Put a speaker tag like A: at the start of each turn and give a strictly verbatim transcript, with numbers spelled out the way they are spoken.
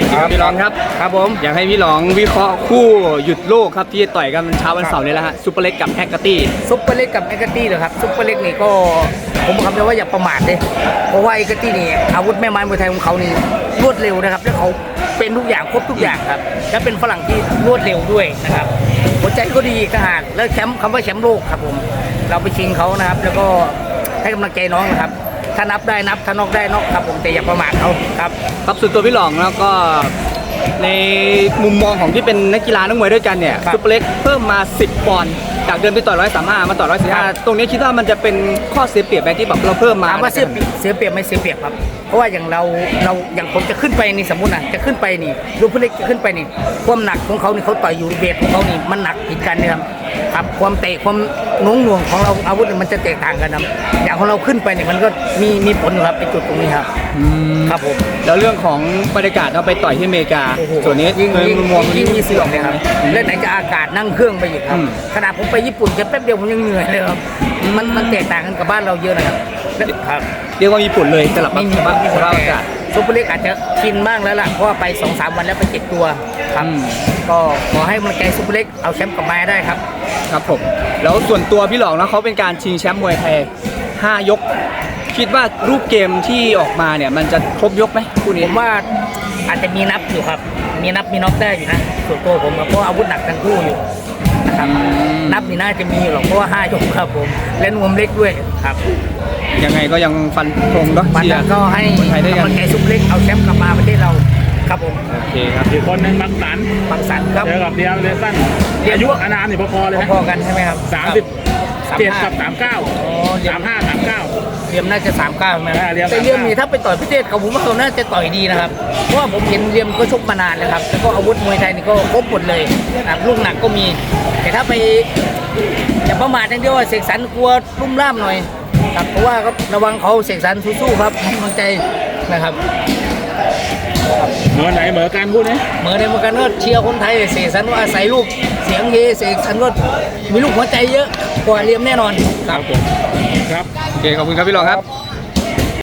A: ครับพี่หลองครับครับผมอยากให้พี่หลองวิเคราะห์คู่หยุดโลกครับที่ต่อยกันเช้าวันเสาร์นี้แล้วฮะซุปเปอร์เล็กกับแฮกเกอร์ตี้
B: ซุปเปอร์เล็กกับเอ็กเกอร์ตี้เหรอครับซุปเปอร์เล็กนี่ก็ผมบอกคำเดียวว่าอย่าประมาทเลยเพราะว่าเอ็กเกอร์ตี้นี่อาวุธแม่ไม้มวยไทยของเขานี่รวดเร็วนะครับและเขาเป็นทุกอย่างครบทุกอย่างครับและเป็นฝรั่งที่รวดเร็วด้วยนะครับหัวใจก็ดีทหารแล้วแชมป์คำว่าแชมป์โลกครับผมเราไปชิงเขานะครับแล้วก็ให้กำลังใจน้องนะครับถ้านับได้นับถ้านอกได้นอกครับผมแต่อย่าประมาทเขาครับ
A: ครับส่วนตัวพี่หลองแล้วก็ในมุมมองของที่เป็นนักกีฬานักมวยด้วยกันเนี่ยซุปเปอร์เล็กเพิ่มมาสิบปอนด์จากเดิมไปต่อยร้อยสามห้ามาต่อยร้อยสี่ห้าตรงนี้คิดว่ามันจะเป็นข้อเสียเปรียบไหมที่แบบเราเพิ่มมา
B: ถามว่าเสียเปรียบเสียเปรียบไม่เสียเปรียบครับเพราะว่าอย่างเราเราอย่างผมจะขึ้นไปนี่สมมุตินะจะขึ้นไปนี่ดูผู้เล็กจะขึ้นไปนี่ความหนักของเขานี่เขาต่อยอยู่เวทของเขานี่มันหนักผิดกันนะครับครับความเตะความโน้งหน่วงของเราอาวุธมันจะแตกต่างกันนะอย่างของเราขึ้นไปนี่มันก็มีมีผลอยู่ครับในจุดตรงนี้ครับครับผม
A: แล้วเรื่องของบรรยากาศเราไปต่อยที่อเมริกาส่วนนี้
B: ยิ่งยิ่ง
A: มุมมอง
B: ยิ่งมีเสื่อมเลยครับเล่นไหนจะอากาศนั่งเครื่องไปอยู่ครับขณะผมไปญี่ปุ่นแค่แป๊บเดียวผมยังเหนื่อยเลยครับมันมันแตกต่างกันกับบ้านเราเยอะนะครับครับ
A: เรียกว่ามีผลเลยสำหรับสภาพสภาพอากาศ
B: ซุปเปอร์เล็กอาจจะกินบ้างแล้วล่ะเพราะว่าไป สองสาม วันแล้วไปเจ็บตัวครับก็ขอให้มันใจซุปเปอร์เล็กเอาแชมป์กลับมาได้ครับ
A: ครับผมแล้วส่วนตัวพี่หลองนะเขาเป็นการชิงแชมป์มวยไทยห้ายกคิดว่ารูปเกมที่ออกมาเนี่ยมันจะครบยกไหมคู่นี้
B: ผมว่าอาจจะมีนับอยู่ครับมีนับมีน็อกได้อยู่นะส่วนตัวผมเพราะอาวุธหนักทั้งคู่อยู่นะครับนับนี่น่าจะมีอยู่หรอกเพราะว่าห้ายกครับผมและนวมเล็กด้วยครับ
A: ยังไงก็ยังฟันธงเนาะ
B: ฟันก็ให้กำลังใจซุปเล็กเอาแชมป์กลับมาประเทศเราครับผม
A: โอเคครับ
C: อีกคนหนึ่งบางสัน
B: บางสันครับ
C: เจอกับเดียร์เลสันอายุอานามนี่พอๆเลย
B: พอกันใช่ไหมครับ
C: สามสิบเจ็ดกับสามเก้าสามห้าสามเก้า
B: เรียมน่าจะสามเก้าไหมแต่เรียมนี่ถ้าไปต่อยพิเศษเขาผมว่าเขาน่าจะต่อยดีนะครับเพราะว่าผมเห็นเรียมก็ชกมานานแล้วครับแล้วก็อาวุธมวยไทยนี่ก็ครบหมดเลยนะครับลูกหนักก็มีแต่ถ้าไปอย่าประมาทอย่างเดียวว่าเสกสรรกลัวลุ่มล่ามหน่อยครับเพราะว่าก็ระวังเขาเสกสรรสู้ๆครับให้กำลังใจนะครับ
C: เหมือนไหนเหมือนกันพูดนี้
B: เหมือนในเหมือนกันก็เชียร์คนไทยเสกสรรว่าอาศัยลูกเสียงเฮเสกสรรว่ามีลูกหัวใจเยอะกว่าเรียมแน่นอน
C: ครับผมครับ
A: โอเคขอบคุณครับพี่หลองครับ